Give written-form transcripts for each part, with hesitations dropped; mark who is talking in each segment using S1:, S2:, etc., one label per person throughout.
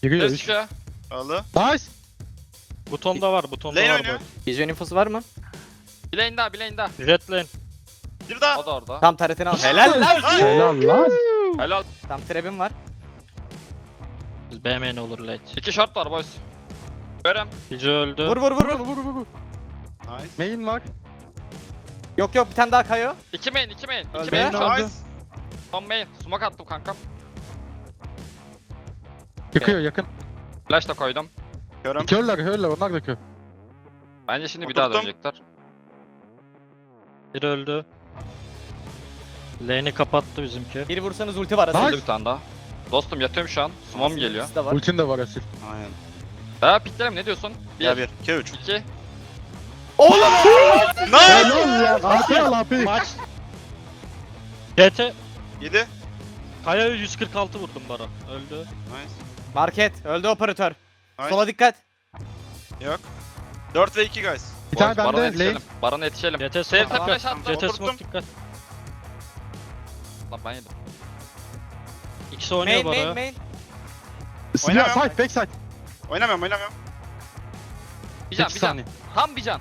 S1: Giriyor
S2: Ses
S1: 3.
S2: çıkıyor.
S3: Aldı.
S1: Nice.
S4: Butonda var, butonda
S3: Lane
S4: var
S3: oynuyor.
S4: bu.
S5: Vision infosu var mı?
S2: Bir lane daha, bir lane daha.
S4: Jet lane.
S3: Bir daha.
S2: O da orada.
S5: Tam taretini al. Helal lan.
S1: Helal lan.
S2: Helal.
S5: Tam trebim var.
S4: BMN olur late.
S2: 2 short var boys. Görem.
S4: Gece öldü.
S5: Vur vur vur.
S3: Nice.
S1: Main var.
S5: Yok yok bir tane daha kayo.
S2: 2 main, 2 main. 2
S5: Öldü.
S2: main
S1: Öldü.
S2: short.
S3: Nice.
S2: Son main. Smoke attım kankam.
S1: Çıkıyor yakın.
S2: Flash da koydum.
S3: Körüm.
S1: Körler onlar da kör.
S2: Bence şimdi bir daha
S3: Oturttum.
S2: dönecekler.
S4: Bir öldü. Lane'i kapattı bizimki.
S5: Bir vursanız ulti var
S1: Nice.
S5: aslında.
S2: Öldü bir tane daha. Dostum yatıyorum şu an. Sumom geliyor.
S5: İkisi de var.
S1: Ultin de var Asil.
S3: Aynen.
S2: Daha piklerim ne diyorsun?
S3: Ya
S2: 1,
S3: 1, 2, 3.
S2: 2.
S3: Nice.
S1: Helal ya. AP al AP.
S4: Maç. GT.
S3: 7.
S4: Kaya'ya 146 vurdum Baran. Öldü.
S3: Nice.
S5: Market. Öldü operatör.
S3: Nice.
S5: Sola dikkat.
S3: Yok. 4 ve 2 guys.
S1: Bir tane
S2: Baron'a
S1: bende
S2: yetişelim.
S1: lane.
S2: Baron'a yetişelim.
S4: GT
S2: TS
S4: smoke
S2: flash
S4: dikkat.
S2: attım.
S4: GT
S3: Oturttum.
S4: smoke dikkat.
S2: Lan ben yedim.
S4: İkisi oynuyor
S5: Main
S4: Bara.
S5: main.
S1: Silah
S3: Oynamıyorum.
S1: side backside.
S3: Oynamıyorum.
S2: Bir can,
S1: 8
S2: bir can.
S1: saniye.
S2: Tam bir can.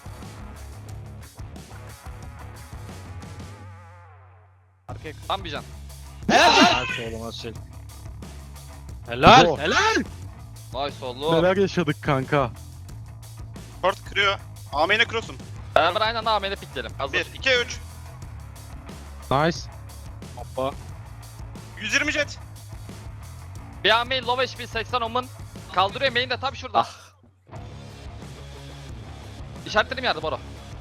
S5: Arkaya.
S2: Tam bir can.
S4: Helal oğlum Asil. Helal.
S1: Bravo.
S4: Helal.
S2: Nice oldu.
S1: Neler yaşadık kanka.
S3: Port kırıyor. Amine cross'um.
S2: Beraber aynı anda AM'de pikleyelim. Hazır.
S3: 1, 2, 3.
S1: Nice.
S4: Hoppa.
S3: 120 jet.
S2: Bir AM'yi low HP 80 omun. Kaldırıyor main de tam şurada. İşaretledim yerde Boro.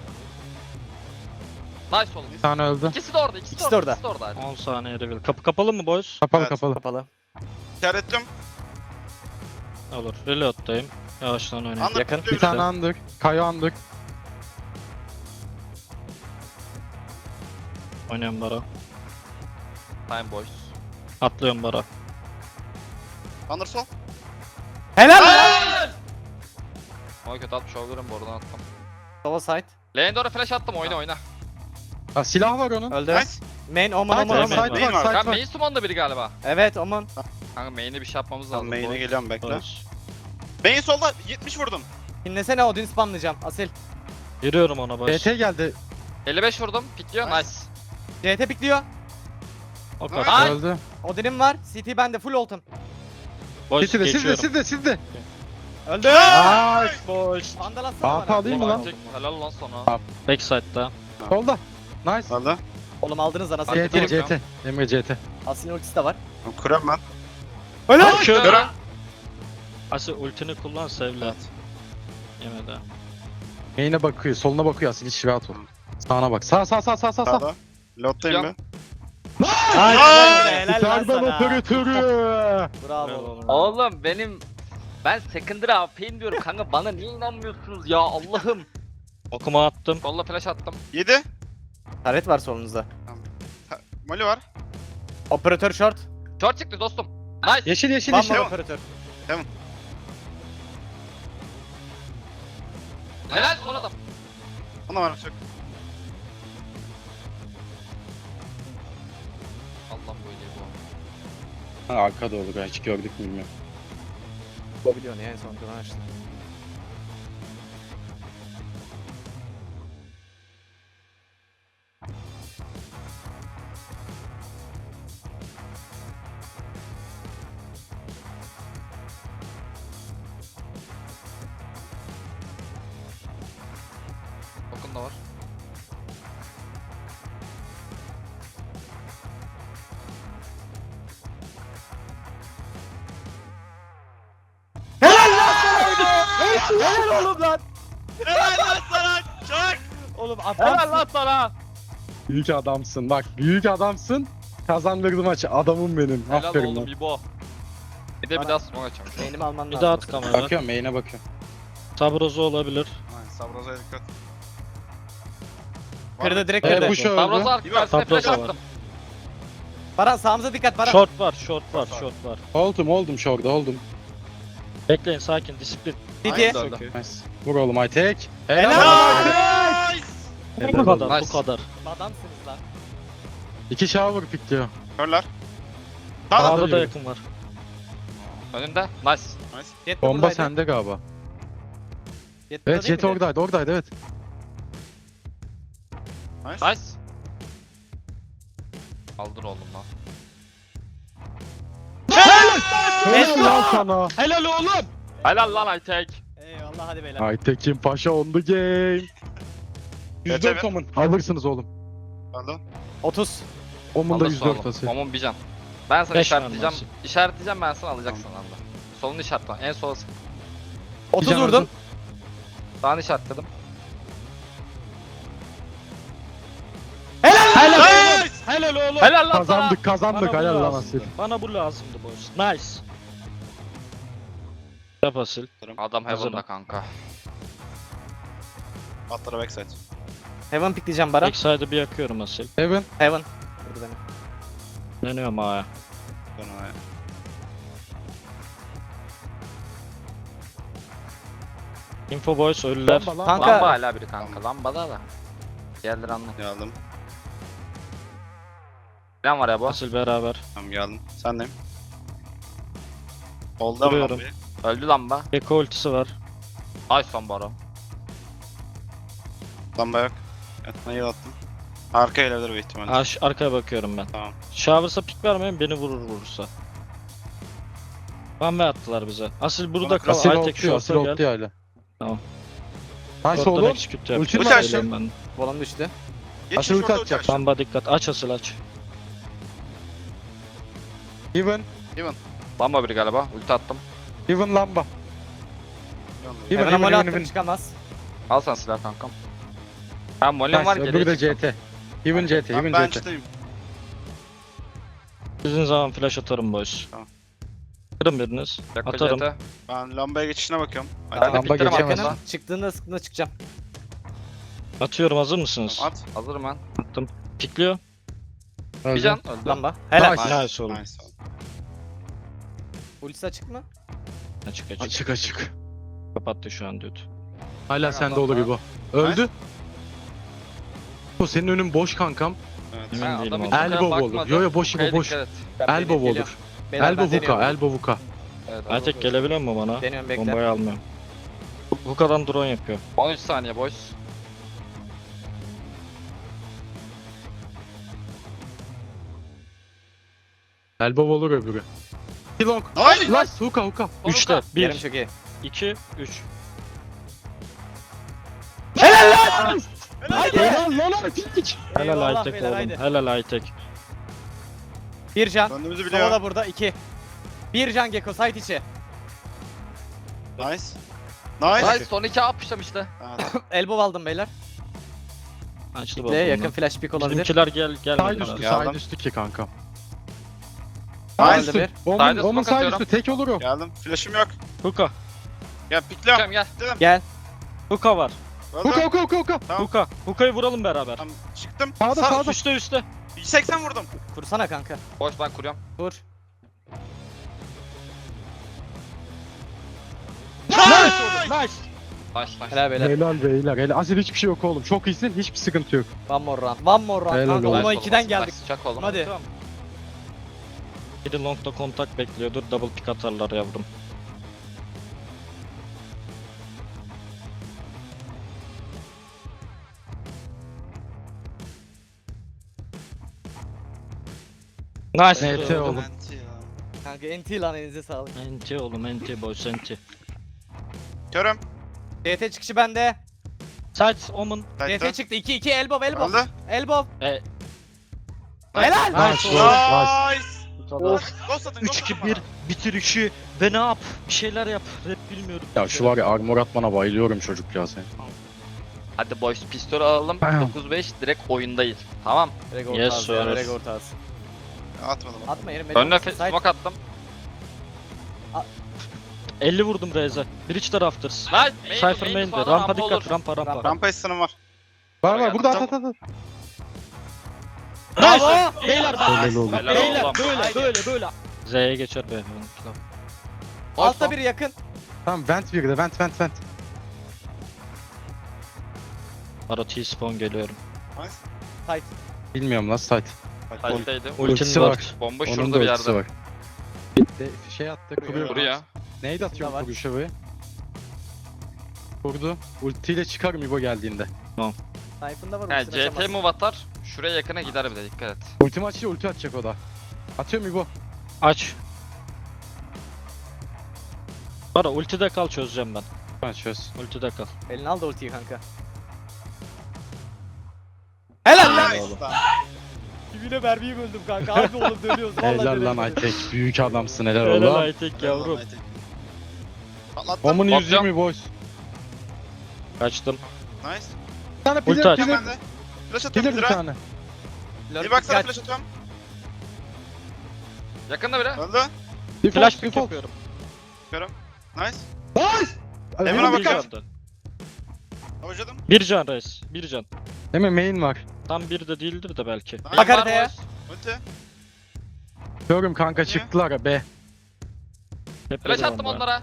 S2: Nice oğlum.
S1: Bir tane öldü.
S2: İkisi de orada, ikisi
S5: İkisi
S2: de
S5: de
S2: orada.
S5: orada.
S2: İkisi de orada.
S4: 10 saniye reveal. Kapı kapalı mı boys?
S1: Kapalı
S3: Evet.
S1: kapalı.
S5: Kapalı.
S3: İşarettim.
S4: Olur. Reload'dayım. Yavaştan oynayayım.
S3: Anladım.
S5: Yakın.
S1: Bir tane andık. Kayo andık.
S4: Oynuyorum Bara.
S2: Time boys.
S4: Atlıyorum Bara.
S3: Under sol.
S5: Helal lan.
S2: Ama kötü atmış olabilirim bu aradan attım.
S5: Sola side.
S2: Lane doğru flash attım oyna oyna.
S1: Ha, silah var onun.
S5: Öldü.
S3: Nice.
S5: Main oman
S1: Side
S5: oman
S1: var
S4: Oman.
S5: oman.
S1: side
S3: Main
S1: var
S3: var.
S1: side
S2: Kanka
S1: var.
S2: main summon'da biri galiba.
S5: Evet oman.
S2: Kanka main'e bir şey yapmamız
S3: Tamam
S2: lazım.
S3: main'e geliyorum bekle.
S4: Boys.
S3: Main solda 70 vurdum.
S5: Dinlesene Odin spamlayacağım. Asil.
S4: Giriyorum ona boys.
S1: BT geldi.
S2: 55 vurdum. Pikliyor
S3: Nice.
S5: CT
S2: nice.
S5: pikliyor.
S4: O
S3: Nice.
S4: kadar.
S1: Öldü.
S5: Odin'im var. CT bende full ultim.
S4: Boys
S1: Sizde
S4: geçiyorum.
S1: sizde.
S5: Öldü.
S4: Nice boys.
S5: Vandal atsana
S1: AP
S5: bana.
S1: alayım mı lan?
S2: Romantik, helal lan sana.
S4: Backside'da.
S1: Solda. Nice.
S3: Aldı.
S5: Oğlum aldınız lan Asil.
S2: Hadi.
S1: CT CT. Emre CT.
S5: Asil'in ultisi de var.
S3: Kuram ben.
S5: Helal.
S2: Kör.
S4: Asi ultini kullan sevle.
S3: Evet.
S4: Yemedi.
S1: Main'e bakıyor. Soluna bakıyor Asil. Hiç rahat ol. Sağına bak. Sağ.
S3: Sağda. Lottayım
S2: Yok.
S3: be.
S5: Helal lan
S1: Serban
S5: sana.
S1: operatörü.
S5: Bravo.
S4: Helal oğlum.
S2: Oğlum ben secondary AP'yim diyorum kanka bana niye inanmıyorsunuz ya Allah'ım.
S4: Okuma attım.
S2: Kolla flash attım.
S3: 7.
S5: Taret var solunuzda.
S3: Molly var.
S5: Operatör short.
S2: Short çıktı dostum. Nice.
S1: Yeşil yeşil
S5: Bam
S1: yeşil.
S5: var
S3: Tamam.
S5: operatör.
S2: Helal son adam.
S3: Ona var çok.
S2: Allah bu iyiliği bu.
S1: Arkada olur. Hiç gördük mü bilmiyorum.
S5: Bu biliyorsun ya en son duran açtı.
S2: Bakın da var.
S5: Helal oğlum lan.
S3: Helal lan sana. Çak.
S5: Oğlum
S2: Helal
S5: adam.
S2: lan sana.
S1: Büyük adamsın. Bak büyük adamsın. Kazandırdı maçı. Adamım benim.
S2: Helal
S1: Aferin
S2: oğlum
S1: lan.
S2: İbo. Bir de bir daha smoke açacağım.
S5: Beynimi alman
S4: Bir
S5: lazım.
S4: daha at kamera.
S1: Bakıyorum main'e bakıyorum.
S4: Sabrozo olabilir.
S3: Aynen Sabraza'ya dikkat.
S5: Kırdı direkt
S1: Evet
S5: kırdı.
S1: bu şu
S2: Sabroza
S1: öldü.
S2: arkasına flash
S4: Sabroza var.
S2: attım.
S5: Baran sağımıza dikkat Baran.
S4: Short var, short var, short var.
S1: Oldum şurada oldum.
S4: Bekleyin sakin, disiplin.
S5: CT.
S2: Aynen öyle.
S1: Nice. Vur oğlum Aytek.
S5: Helal.
S3: Nice.
S4: Bu kadar,
S2: Nice.
S4: bu kadar.
S5: Adamsınız lan.
S1: 2 shower pick diyor.
S3: Körler.
S1: Sağda
S4: Sağda da
S1: yürü.
S4: yakın var.
S2: Önünde. Nice.
S5: Jet de
S1: Bomba
S5: buradaydı.
S1: sende galiba.
S5: Jet burada
S1: Evet
S5: değil
S1: Jet
S5: miydi?
S1: oradaydı evet.
S3: Nice.
S2: Nice. Kaldır oğlum lan.
S1: Helal lan sana.
S4: Helal oğlum.
S2: Helal lan Aytek.
S5: Eyvallah hadi beyler.
S1: Aytekin Paşa on the game.
S3: Evet,
S1: 104 Omun. Alırsınız oğlum.
S3: Aldım.
S5: 30.
S1: Omun'da
S2: Alırsın
S1: 104
S2: oğlum.
S1: asıl.
S2: Omun bir can. Ben sana
S4: Beş
S2: işaretleyeceğim.
S4: vermezsin.
S2: İşaretleyeceğim ben sana alacaksın anda. Solunu işaretle. En sola sık.
S5: 30
S1: can
S5: vurdum.
S1: aldım.
S2: Sağını işaretledim.
S4: Helal oğlum.
S3: Nice.
S4: Helal oğlum.
S2: Helal lan sana.
S1: Kazandık
S4: Bana bu
S1: helal lan
S4: lazımdı.
S1: Asil.
S4: Bana bu lazımdı boys. Nice. Yap Asil.
S2: Adam
S4: Hazırım.
S2: Heaven'da kanka.
S3: Atlara backside.
S5: Heaven pikleyeceğim Baran.
S4: Backside'ı bir yakıyorum Asil.
S1: Heaven.
S5: Heaven. Vurdu beni.
S4: Dönüyorum A'ya.
S3: Dön oraya.
S4: Info boys ölüler.
S1: Lamba lan.
S5: Kanka-
S2: Lamba hala biri kanka. Lambada da. Diğerleri anla.
S3: Geldim.
S2: Plan var ya bu.
S4: Asil beraber.
S3: Tamam geldim. Sendeyim. Oldu ama
S4: Vuruyorum.
S3: lambayı.
S2: Öldü lamba.
S4: Gecko ultisi var.
S2: Nice son baro.
S3: Lamba yok. Yatmayı attım. Arka elebilir büyük ihtimalle.
S4: Arkaya bakıyorum ben.
S3: Tamam.
S4: Showers'a pik vermeyin beni vurursa. Van ve attılar bize. Asil burada kal.
S1: Asil
S4: Aytek
S1: oltuyor. Asil
S4: short'a gel.
S1: oltuyor hala.
S4: Tamam.
S1: Nice
S4: Short'tan
S1: oğlum.
S4: execute
S1: Ulti
S4: yapacağım.
S3: mi açtın?
S4: Söyleyeyim ben.
S5: Volum düştü.
S3: Geçin
S1: Aşırı
S3: şurada
S1: atacak.
S3: uçak.
S4: Lamba dikkat. Aç Asil aç.
S1: Heaven.
S2: Lamba biri galiba. Ulti attım.
S1: Heaven lamba. Heaven
S5: Heaven'a mole
S1: Heaven
S5: attım
S1: Heaven.
S5: çıkamaz.
S2: Al sen silah kankam. Ha molem var
S1: Nice.
S2: geriye
S1: Öbürü de
S2: çıktım.
S1: CT. Heaven CT.
S3: Ben
S1: Heaven CT.
S3: bench'teyim.
S4: Sizin zaman flash atarım boys.
S3: Tamam.
S4: Kırın biriniz.
S2: Yakka
S4: Atarım.
S2: CT.
S3: Ben lambaya geçişine bakıyorum.
S2: Ben
S3: Hadi
S2: de
S1: Lamba
S2: piklerim
S1: geçemez.
S2: arkasına.
S5: Yakınım. Çıktığında sıkıntı çıkacağım.
S4: Atıyorum hazır mısınız?
S3: at.
S2: Hazırım ben.
S4: Attım. Pikliyor.
S2: Bir can öldü.
S5: Lamba. Helal.
S1: Nice.
S4: Nice oğlum.
S3: Nice.
S5: Ultisi açık mı?
S4: Açık açık.
S1: Açık açık.
S4: Kapattı şu an dude.
S1: Hala
S2: Kanka,
S1: sende olur
S2: lamba.
S1: İbo. Öldü. Bu senin önün boş kankam.
S3: Evet.
S4: Emin
S2: Ha,
S4: değilim
S2: adam
S4: ama.
S2: hiç
S1: Elbow
S2: bakmadı.
S1: olur. Yo yo boş İbo
S2: Kaya
S1: boş.
S2: dikkat et.
S1: Elbow
S5: Geliyor.
S1: olur.
S5: Beyler, ben
S1: Elbow
S5: deniyorum.
S1: vuka. Elbow vuka.
S2: Evet,
S4: Aytek gelebiliyor mu bana?
S5: Deniyorum bekle.
S4: Bombayı almıyorum. Bu kadar drone yapıyor.
S2: 13 saniye boys.
S1: Elbow olur öbürü. Long.
S3: Nice.
S1: Last hookah hookah.
S4: 3'te.
S5: Yerim
S4: 1,
S5: çok iyi.
S4: 2, 3.
S1: Helal lan Aytek.
S4: Helal
S5: Eyvallah
S4: Aytek
S5: beyler,
S4: oğlum.
S5: haydi.
S4: Helal Aytek.
S5: Bir can.
S3: Döndüğümüzü
S5: Sola
S3: biliyor.
S5: da burada 2. Bir can Gecko site içi.
S3: Nice. Nice.
S2: Nice son 2 yapmıştım işte.
S3: Evet.
S5: Elbow aldım beyler.
S4: Açtı
S5: Pikle
S4: balkondan.
S5: yakın flash pick olabilir.
S4: Bizimkiler
S1: Side
S4: gelmediler.
S1: üstü
S3: Geldim.
S1: side üstü ki kankam.
S3: Nice.
S1: Side üstü.
S2: Side'e
S1: Onun
S2: smoke
S1: side
S2: atıyorum.
S1: üstü tek olur o.
S3: Geldim. Flash'ım yok.
S4: Hookah.
S3: Gel pikliyorum.
S2: Gel gel.
S3: Dedim.
S5: Gel.
S4: Hookah var.
S3: Öldüm.
S1: Hookah hookah hookah hookah.
S3: Tamam.
S4: Hookah. Hookah'ı vuralım beraber.
S3: Tamam. Çıktım.
S1: Sağda,
S3: Sağ-
S1: sağda.
S4: Üste üste.
S3: 180 vurdum.
S5: Kursana kanka.
S2: Boş ben kuruyorum.
S5: Vur.
S4: Nice.
S2: Nice nice.
S5: Helal beyler.
S1: Helal beyler. Helal. Asil hiçbir şey yok oğlum. Çok iyisin. Hiçbir sıkıntı yok.
S5: One more round. One more round.
S1: Helal
S5: Kanka
S1: olsun.
S5: 10'a
S2: Nice
S5: 2'den
S2: oğlum,
S5: geldik.
S2: nice. Çak oğlum.
S5: Hadi.
S4: Biri longda kontak bekliyordur. Double pick atarlar yavrum. Nice.
S1: NT oğlum.
S5: Kanka NT lan elinize sağlık.
S4: NT oğlum NT boys NT.
S3: Körüm.
S5: DT çıkışı bende.
S4: Sight Omen.
S3: Tight'ta.
S5: DT çıktı. 2 2 elbow.
S3: Öldü.
S5: Elbow.
S4: E,
S5: Helal.
S1: Nice.
S4: Nice.
S3: Nice.
S4: Of.
S3: Ghost atın.
S4: 3-2-1 bitirişi ve ne yap? Bir şeyler yap. Rap bilmiyorum.
S1: Ya şu var ya armor atmana bayılıyorum çocuk ya sen.
S2: Hadi boys pistol alalım.
S1: Tamam.
S2: 9-5 direkt oyundayız. Tamam.
S5: Direkt
S4: Yes,
S5: orta az ya.
S4: sir.
S5: Direkt orta az.
S3: Atmadım.
S5: Atma yerim.
S2: Önüne smoke attım.
S4: 50 vurdum Reza. Bridge taraftır.
S2: Nice.
S4: Cypher main'de. Rampa dikkat. Rampa.
S3: Rampa istenim var.
S1: Var var burada at
S3: Attım.
S1: at at.
S5: Bravo.
S4: Beyler bak.
S1: Helal olsun.
S2: Helal
S4: Beyler
S2: oğlum.
S4: böyle. Z'ye geçer be.
S5: Altta biri yakın.
S1: Tamam vent bir de vent.
S4: Ara T-spawn geliyorum.
S3: Nice.
S5: Tight.
S1: Bilmiyorum lan site.
S2: Sight'teydim.
S4: Ultim
S1: Ultisi
S4: var.
S1: var.
S2: Bomba
S1: Onun
S2: şurada
S1: da
S2: bir
S1: ultisi
S2: yerde.
S1: var. Şey attı kuruyor.
S2: Buraya.
S1: Neydi atıyor
S5: var.
S1: kuruşa buraya? Kurdu. Ultiyle çıkarım İbo geldiğinde.
S5: Sniper'ında var.
S2: He
S5: ultisini
S2: CT
S5: açamaz.
S2: move atar. Şuraya yakına gider bir de dikkat et.
S1: Ultimi açınca ulti atacak o da. Atıyorum İbo.
S4: Aç. Bara ultide kal, çözeceğim ben.
S1: Ha çöz.
S4: Ultide kal.
S5: Elini al da ultiyi kanka. Helal lan.
S3: Nice lan.
S5: Dibine mermiyi böldüm kanka. Harbi oğlum dönüyoruz. Vallahi
S1: Helal lan
S5: dönüyoruz.
S1: Aytek. Büyük adamsın helal
S4: Helal
S1: oğlum.
S4: Aytek yavrum.
S3: Patlattım.
S1: Omun
S2: Bakacağım.
S1: 120 boys.
S4: Kaçtım.
S3: Nice.
S1: Bir tane
S4: Ulti
S1: pilir
S4: aç.
S1: pilir.
S3: Ben de. Flash atıyorum
S1: Pilir bir
S3: bir
S1: tane.
S5: Lord
S3: Bir baksana
S5: dikkat.
S3: flash atıyorum.
S2: Yakında biri.
S3: Öldü.
S1: Default,
S4: Flash pick
S1: default.
S4: yapıyorum.
S3: Bakıyorum. Nice.
S1: Nice!
S3: Emre'ne
S1: Emre
S4: Bir
S3: bakar.
S4: candı.
S3: Hocadım.
S4: Bir can reis. Bir can.
S1: Emre main var.
S4: Tam bir de değildir de belki.
S3: Nice.
S5: Bak haritaya.
S3: Ulti.
S1: Görüm kanka çıktılar be.
S4: Hep
S2: Flash
S4: bir
S2: attım
S4: bomba.
S2: onlara.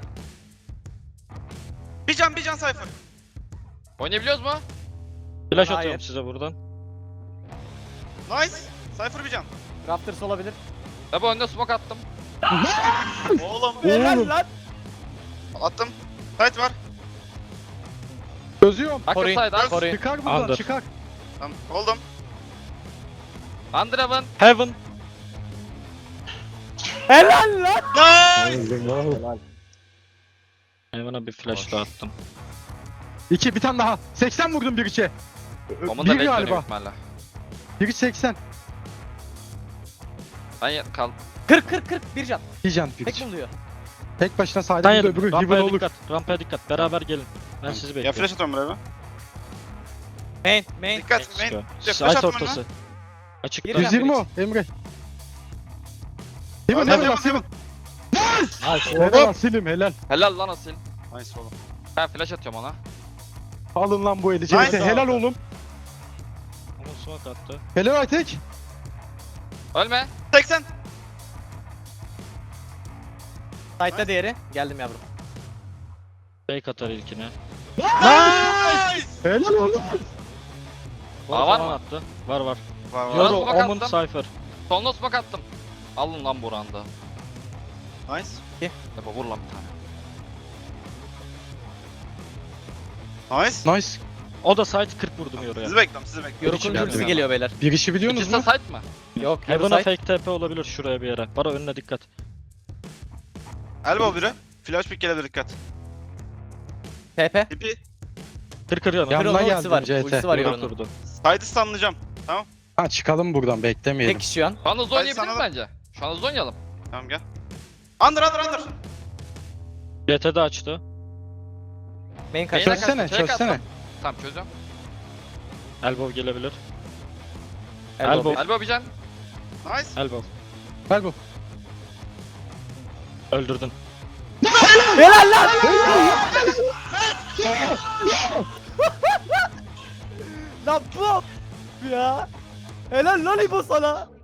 S3: Bir can Cypher.
S2: Oynayabiliyoruz mu?
S4: Flash
S5: Hayır.
S4: atıyorum size buradan.
S3: Nice. Cypher bir can.
S5: Raptors olabilir.
S2: Tabi önüne smoke attım.
S3: Oğlum.
S5: Helal lan.
S3: Attım. Sight var.
S1: Çözüyorum.
S2: Akıl
S5: Koruyun.
S2: saydı.
S5: Koruyun.
S1: Çıkar buradan
S4: Under.
S1: çıkar.
S3: Tamam. Oldum.
S2: Underhaven.
S4: Heaven.
S5: Helal lan.
S3: Nice.
S4: Heaven'a bir flash daha attım.
S1: 2 bir tane daha. 80 vurdum bir içe.
S2: Omun da
S1: Bir
S2: bekliyor
S1: galiba.
S2: büyük ihtimalle.
S1: Bir iç 80.
S2: Ben kal.
S5: 40 bir can.
S1: Bir can bir
S5: Tek
S1: iç.
S5: buluyor.
S1: Tek başına saydı
S4: Hayır,
S1: bir de öbürü Heaven
S4: rampaya
S1: olur.
S4: dikkat. Rampaya dikkat. Beraber gelin. Ben sizi
S3: Ya
S4: bekliyorum.
S3: flash atıyorum buraya.
S5: Main.
S3: Dikkat.
S4: Çıkıyor.
S3: Main. Flash
S4: Site
S3: attım
S4: ortası. Açık.
S5: Bir
S4: dur.
S1: 120 o Emre. Heaven
S3: Hadi,
S1: Heaven
S3: hadi,
S1: Heaven.
S4: Nice.
S1: Helal Asil'im helal.
S2: Helal lan Asil.
S3: Nice oğlum.
S2: Ben flash atıyorum ona.
S1: Alın lan bu eli.
S3: Nice
S1: Nice. Helal
S4: abi.
S1: oğlum.
S4: Ama smoke attı.
S1: Helal Aytek.
S2: Ölme.
S3: 80.
S5: Sight'ta diğeri. Geldim yavrum.
S4: Fake atar ilkine.
S3: Nice.
S1: Helal oğlum.
S2: Aa, var
S4: Zaman
S2: mı?
S4: attı. Var var.
S3: Var var.
S2: Biraz
S4: Yoru,
S2: smoke
S4: Omun,
S2: attım.
S4: Cypher.
S2: Soluna smoke attım. Alın lan buranda.
S3: Nice.
S2: Yapma vur lan bir tane.
S3: Nice.
S1: Nice.
S4: O da site 40 vurdum Yoru'ya.
S3: Sizi bekliyorum, sizi bekliyorum.
S5: Yoruk'un
S4: geldi
S5: ultisi
S4: bana.
S5: geliyor beyler.
S1: Bir işi biliyorsunuz
S2: İkisi de
S1: mu?
S2: site mı?
S5: Yok.
S4: Heaven'a
S5: Yoru
S4: fake TP olabilir şuraya bir yere. Bara önüne dikkat.
S3: Elbow biri. Flash pick gelebilir dikkat.
S5: TP.
S3: Tipi.
S4: Kır yanı.
S1: Yanına
S5: Kırılma
S1: geldim
S5: ultisi var.
S1: CT.
S5: Ultisi var
S4: Yoru
S5: Yoru'nun.
S4: kurdu.
S3: Side'ı stunlayacağım.
S1: Ha çıkalım buradan beklemeyelim.
S5: Tek kişi şu an.
S2: Şu an hızlı
S3: Hadi
S2: oynayabiliriz
S3: sana da-
S2: bence. Şu an hızlı oynayalım.
S3: Tamam gel. Under.
S4: GT'de açtı.
S5: Main kaç.
S2: Beyler-
S1: Çözsene
S2: Çek
S1: çözsene.
S2: attım. Tamam çözüyorum.
S4: Elbow gelebilir.
S5: Elbow.
S4: Elbow.
S2: Elbow bir can.
S3: Nice.
S4: Elbow.
S1: Gel bu.
S4: Öldürdün.
S5: Helal lan. Lan bu ya. Helal lan İbo sana.